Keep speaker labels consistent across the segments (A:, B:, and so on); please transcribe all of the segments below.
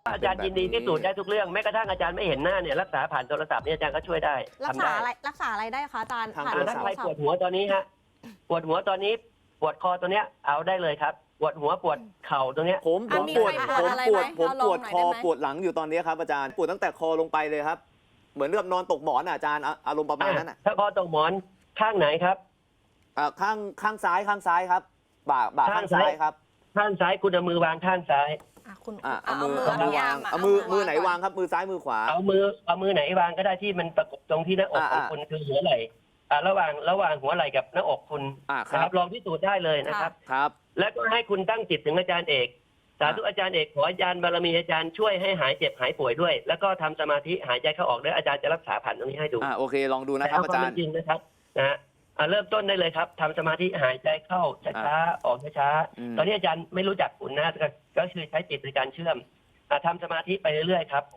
A: อาจารย์ยินดีพิสูจน์ได้ทุกเรื่องแม้กระทั่งอาจารย์ไม่เห็นหน้าเนี่ยรักษาผ่านโทรศัพท์เนี่ยอาจารย์ก็ช่วยได้
B: รักษาอะไรได้คะอาจารย์ผ่านโทร
A: ถ้า
B: ศัพ
A: ใคร
B: ท์
A: ปวดหัวตอนนี้ฮะปวดหัวตอนนี้ปวดคอตัวเนี้ยเอาได้เลยครับปวดหัวปวดเข่าตรงเนี้ย
C: ผมปวดคอปวดหลังอยู่ตอนนี้ครับอาจารย์ปวดตั้งแต่คอลงไปเลยครับเหมือนกับนอนตกหมอนอาจารย์อารมณ์ประมาณนั้น
A: ถ้าคอตกหมอนข้างไหนครับ
C: ข้างซ้ายครับบ่าข้างซ้ายครับ
A: ข้างซ้ายคุณเอามือวางข้างซ้าย
C: เอามือวางเอามือไหนวางครับมือซ้ายมือขวา
A: เอามือไหนวางก็ได้ที่มันประกบตรงที่หน้าอกของคุณคือหัวไหล่ระหว่างหัวไหล่กับหน้าอกคุณนะครับลองพิสูจน์ได้เลยนะครับ
C: ครับ
A: แล้วก็ให้คุณตั้งจิตถึงอาจารย์เอกสาธุอาจารย์เอกขออาจารย์บารมีอาจารย์ช่วยให้หายเจ็บหายป่วยด้วยแล้วก็ทำสมาธิหายใจเข้าออกด้วยอาจารย์จะรักษาผ่านตรงนี้ให้ดู
C: โอเคลองดูนะครับอาจารย์
A: จริงนะครับนะเริ่มต้นได้เลยครับทำสมาธิหายใจเข้าช้าๆออกช้าๆตอนนี้อาจารย์ไม่รู้จักคุณนะก็คือใช้จิตในการเชื่อมทำสมาธิไปเรื่อยๆครับ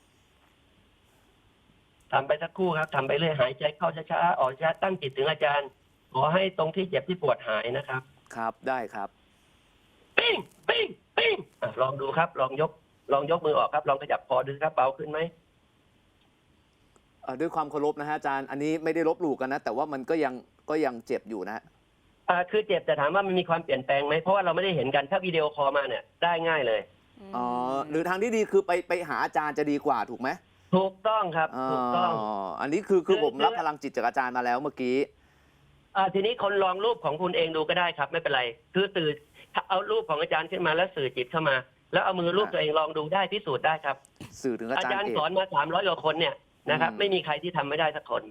A: ทำไปสักครู่ครับทำไปเรื่อยหายใจเข้าช้าๆออกช้าตั้งจิตถึงอาจารย์ขอให้ตรงที่เจ็บที่ปวดหายนะครับ
C: ครับได้ครับ
A: ปิ้งปิ้งปิ้งลองดูครับลองยกมือออกครับลองขยับคอดูครับเบาขึ้นไหม
C: ด้วยความเคารพนะฮะอาจารย์อันนี้ไม่ได้ลบหลู่กันนะแต่ว่ามันก็ยังเจ็บอยู่นะ
A: คือเจ็บแต่ถามว่ามันมีความเปลี่ยนแปลงไหมเพราะว่าเราไม่ได้เห็นกันถ้าวิดีโอคอลมาเนี่ยได้ง่ายเลย
C: หรือทางที่ดีคือไปหาอาจารย์จะดีกว่าถูกไหม
A: ถูกต้องครับถูกต้อง
C: อันนี้คือผมรับพลังจิตจากอาจารย์มาแล้วเมื่อกี้
A: ทีนี้คนลองรูปของคุณเองดูก็ได้ครับไม่เป็นไรคือเอารูปของอาจารย์ขึ้นมาแล้วสื่อจิตเข้ามาแล้วเอามือรูปตัวเองลองดูได้พิสูจน์ได้ครับ
C: สื่อถึงอาจารย์
A: สอนมา300 กว่าคนเนี่ยนะครับไม่มีใครที่ทำไม่ได้สักคน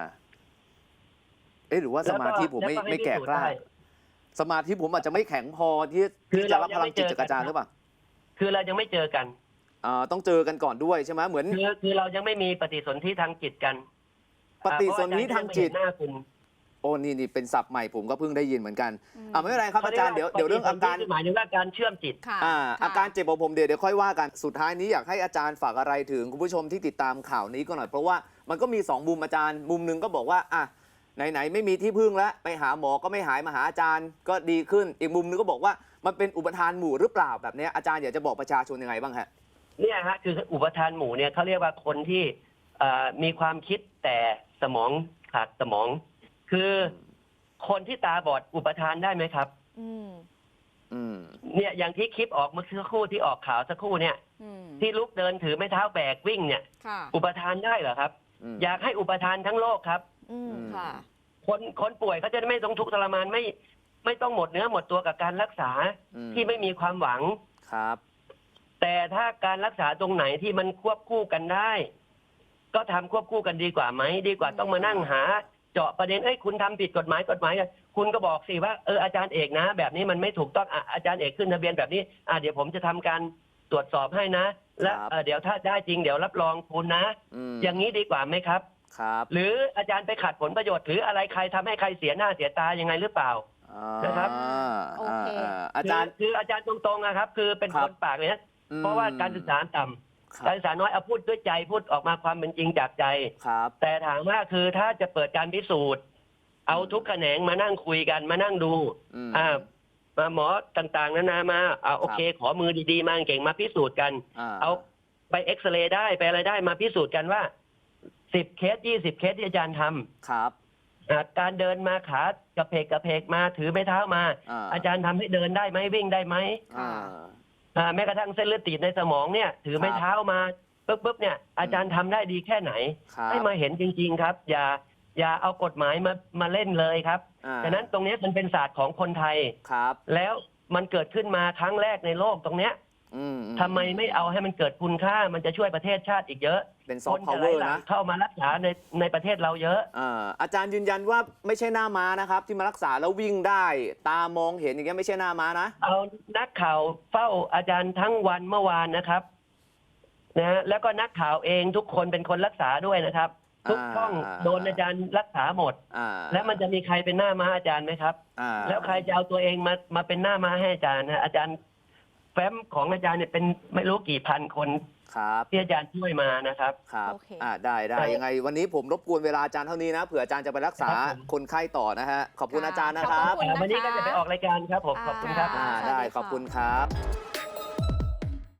C: หรือว่าสมาธิผมไม่แก่กล้าสมาธิผมอาจจะไม่แข็งพอที่จะรับพลังจิตจากอาจารย์หรือเปล่า
A: คือเรายังไม่เจอกัน
C: ต้องเจอกันก่อนด้วยใช่ไหมเหมือน
A: คือเรายังไม่มีปฏิสนธิทางจิตกัน
C: ปฏิสนธิทางจิต
A: หน้าคุณ
C: โอ้นี่เป็นศัพท์ใหม่ผมก็เพิ่งได้ยินเหมือนกันไม่เป็นไรครับอาจารย์เดี๋ยวเรื่องอาการ
A: หมายถึงว่าการเชื่อมจิต
C: อาการเจ็บของผมเดี๋ยวค่อยว่ากันสุดท้ายนี้อยากให้อาจารย์ฝากอะไรถึงคุณผู้ชมที่ติดตามข่าวนี้ก็หน่อยเพราะว่ามันก็มี2มุมอาจารย์มุมหนึ่งก็บอกว่าไหนไม่มีที่พึ่งแล้วไปหาหมอก็ไม่หายมาหาอาจารย์ก็ดีขึ้นอีกมุมนึงก็บอกว่ามันเป็นอุปทานหมู่หรือเปล่าแบบนี้อาจารย์อยากจะบอกประชาชนยังไงบ้างฮะ
A: เนี่ยฮะคืออุปทานหมู่เนี่ยเขาเรียกว่าคนที่มีความคิดแต่สมองขาดสมองคือคนที่ตาบอดอุปทานได้ไหมครับเนี่ยอย่างที่คลิปออกเมื่อสักครู่ที่ออกข่าวสักครู่เนี่ยที่ลุกเดินถือไม้เท้าแบกวิ่งเนี่ยอุปทานได้เหรอครับอยากให้อุปทานทั้งโลกครับคนป่วยเขาจะไม่ต้องทุกข์ทรมานไม่ต้องหมดเนื้อหมดตัวกับการรักษาที่ไม่มีความหวัง
C: ครับ
A: แต่ถ้าการรักษาตรงไหนที่มันควบคู่กันได้ก็ทำควบคู่กันดีกว่าไหมดีกว่าต้องมานั่งหาเจาะประเด็นคุณทำผิดกฎหมายคุณก็บอกสิว่าอาจารย์เอกนะแบบนี้มันไม่ถูกต้องอาจารย์เอกขึ้นทะเบียนแบบนี้เดี๋ยวผมจะทำการตรวจสอบให้นะและเดี๋ยวถ้าได้จริงเดี๋ยวรับรองคุณนะอย่างนี้ดีกว่าไหมครับหรืออาจารย์ไปขัดผลประโยชน์หรืออะไรใครทำให้ใครเสียหน้าเสียตายังไงหรือเปล่านะครับ
C: อาจารย์
A: คืออาจารย์ตรงๆนะครับคือเป็นคนปากเลยนะเพราะว่าการศึกษาต่ำการศึกษาน้อยเอาพูดด้วยใจพูดออกมาความเป็นจริงจากใจแต่ถามว่าคือถ้าจะเปิดการพิสูจน์เอาทุกแขนงมานั่งคุยกันมานั่งดูมาหมอต่างๆนานามาโอเคขอมือดีๆมาเก่งมาพิสูจน์กันเอาไปเอ็กซเรย์ได้ไปอะไรได้มาพิสูจน์กันว่า10 เคส20 เคสที่อาจารย์ท
C: ำครับ
A: การเดินมาขากระเพกมาถือไม้เท้ามาอาจารย์ทำให้เดินได้ไหมวิ่งได้ไหมแม้กระทั่งเส้นเลือดตีบในสมองเนี่ยถือไม้เท้ามาปุ๊บเนี่ยอาจารย์ทำได้ดีแค่ไหนให้มาเห็นจริงๆครับอย่าเอากฎหมายมาเล่นเลยครับฉะนั้นตรงนี้มันเป็นศาสตร์ของคนไทยแล้วมันเกิดขึ้นมาครั้งแรกในโลกตรงเนี้ยทำไมไม่เอาให้มันเกิดคุณค่ามันจะช่วยประเทศชาติอีกเยอะ
C: เป็นซอฟต์พาวเวอร์นะ
A: เข้ามารักษาในประเทศเราเยอะ
C: อาจารย์ยืนยันว่าไม่ใช่หน้าม้านะครับที่มารักษาแล้ววิ่งได้ตามองเห็นอย่างเงี้ยไม่ใช่หน้าม้านะ
A: เอานักข่าวเฝ้าอาจารย์ทั้งวันเมื่อวานนะครับนะแล้วก็นักข่าวเองทุกคนเป็นคนรักษาด้วยนะครับทุกช่องโดนอาจารย์รักษาหมดแล้วมันจะมีใครเป็นหน้าม้าอาจารย์ไหมครับแล้วใครจะเอาตัวเองมาเป็นหน้าม้าให้อาจารย์นะอาจารย์แฟ้มของอาจารย์เนี่ยเป็นไม่รู้กี่พันคนที่อาจารย์ช่วยมานะครับ
C: ครับได้ยังไงวันนี้ผมรบกวนเวลาอาจารย์เท่านี้นะเผื่ออาจารย์จะไปรักษาคนไข้ต่อนะฮะขอบคุณอาจารย์นะครับ
A: วันนี้ก็จะไปออกรายการครับผมขอบคุณครับ
C: ได้ขอบคุณครับ